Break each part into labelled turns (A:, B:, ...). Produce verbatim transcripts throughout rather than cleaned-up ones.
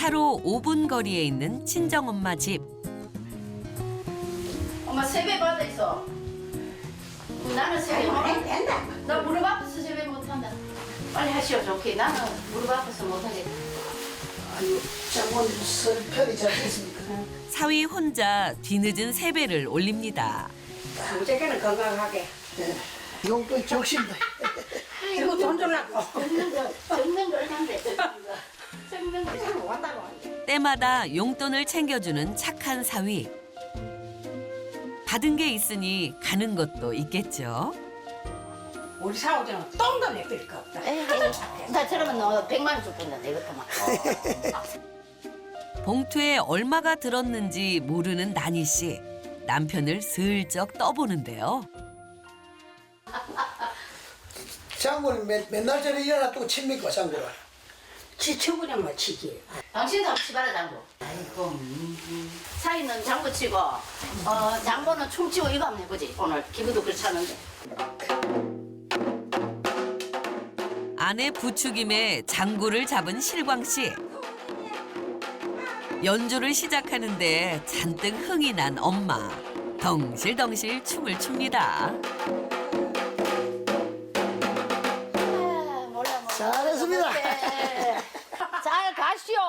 A: 차로 오 분 거리에 있는 친정엄마 집.
B: 엄마 세배 받아 있어. 나는 세배 못
C: 된다.
B: 나 무릎 아파서 세배 못한다. 빨리 하시오 좋게. 나는 무릎 아파서 못하겠다.
C: 아유, 장모님 설 편히 잘 됐습니까?
A: 사위 혼자 뒤늦은 세배를 올립니다.
C: 무조건 건강하게. 예. 용돈 적신다. 아이고 돈 줄라고.
B: 적는 거, 적는 걸 한대. 적는 거.
C: 참 왔다고.
A: 때마다 용돈을 챙겨주는 착한 사위. 받은 게 있으니 가는 것도 있겠죠.
C: 우리 사오지는 똥도 내필 거 없다.
B: 에이, 나처럼은 너 백만 원 줄 건데 내것도만.
A: 봉투에 얼마가 들었는지 모르는 나니 씨. 남편을 슬쩍 떠보는데요.
D: 장모님 맨, 맨날 저래 일어나 또 칩니까 장모를?
C: 지쳐버리면 뭐 치기.
B: 당신도 한번 치봐라 장구. 아이고. 음. 사이는 장구 치고 어, 장보는 춤 치고 이거 한번 해보지. 오늘 기분도 그렇잖은데.
A: 아내 부추김에 장구를 잡은 실광 씨. 연주를 시작하는데 잔뜩 흥이 난 엄마. 덩실덩실 춤을 춥니다.
B: 아, 몰라 몰라.
D: 잘했습니다.
B: 잘 가시오.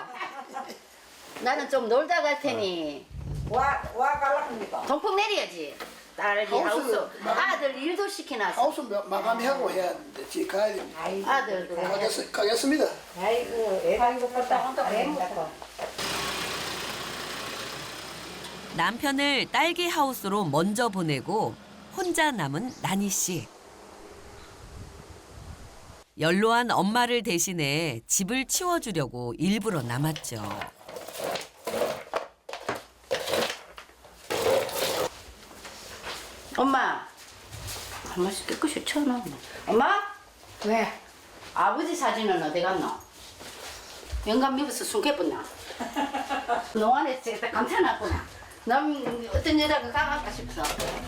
B: 나는 좀 놀다 갈 테니
C: 와, 와 갈랍니까?
B: 동풍 내려야지. 딸이
D: 하우스,
B: 하우스.
D: 마-
B: 아들 일도 시켜놨어.
D: 하우스 마- 마감하고 해야 되는데 지금 가야 됩니다.
C: 아이고,
B: 아들도.
D: 가겠, 가겠습니다.
C: 아이고, 애가 이거 껐다 한다 애 먹고.
A: 남편을 딸기 하우스로 먼저 보내고 혼자 남은 나니 씨. 연로한 엄마를 대신해 집을 치워주려고 일부러 남았죠.
B: 엄마. 한 번씩 깨끗이 쳐놔. 엄마?
C: 왜?
B: 아버지 사진은 어디 갔노? 영감 입어서 숨겨봤나? 농안에 딱 감춰놨구나. 남 어떤 여자가 가갈까 싶어.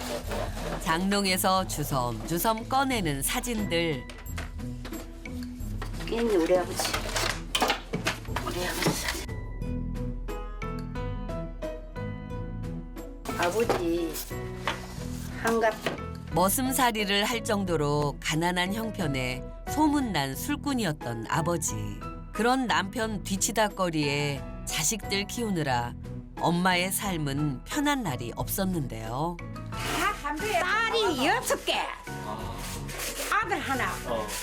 A: 장롱에서 주섬주섬 꺼내는 사진들.
B: 있네 우리 아버지. 우리 아버지 사진. 아버지 한갑.
A: 머슴살이를 할 정도로 가난한 형편에 소문난 술꾼이었던 아버지. 그런 남편 뒤치다거리에 자식들 키우느라 엄마의 삶은 편한 날이 없었는데요.
C: 다 딸이 여섯 개. 아들 하나.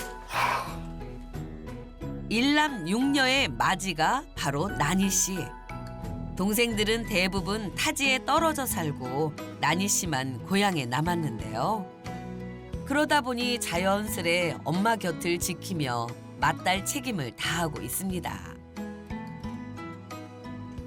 A: 일남 육녀의 맞이가 바로 나니 씨. 동생들은 대부분 타지에 떨어져 살고 나니 씨만 고향에 남았는데요. 그러다 보니 자연스레 엄마 곁을 지키며 맏딸 책임을 다하고 있습니다.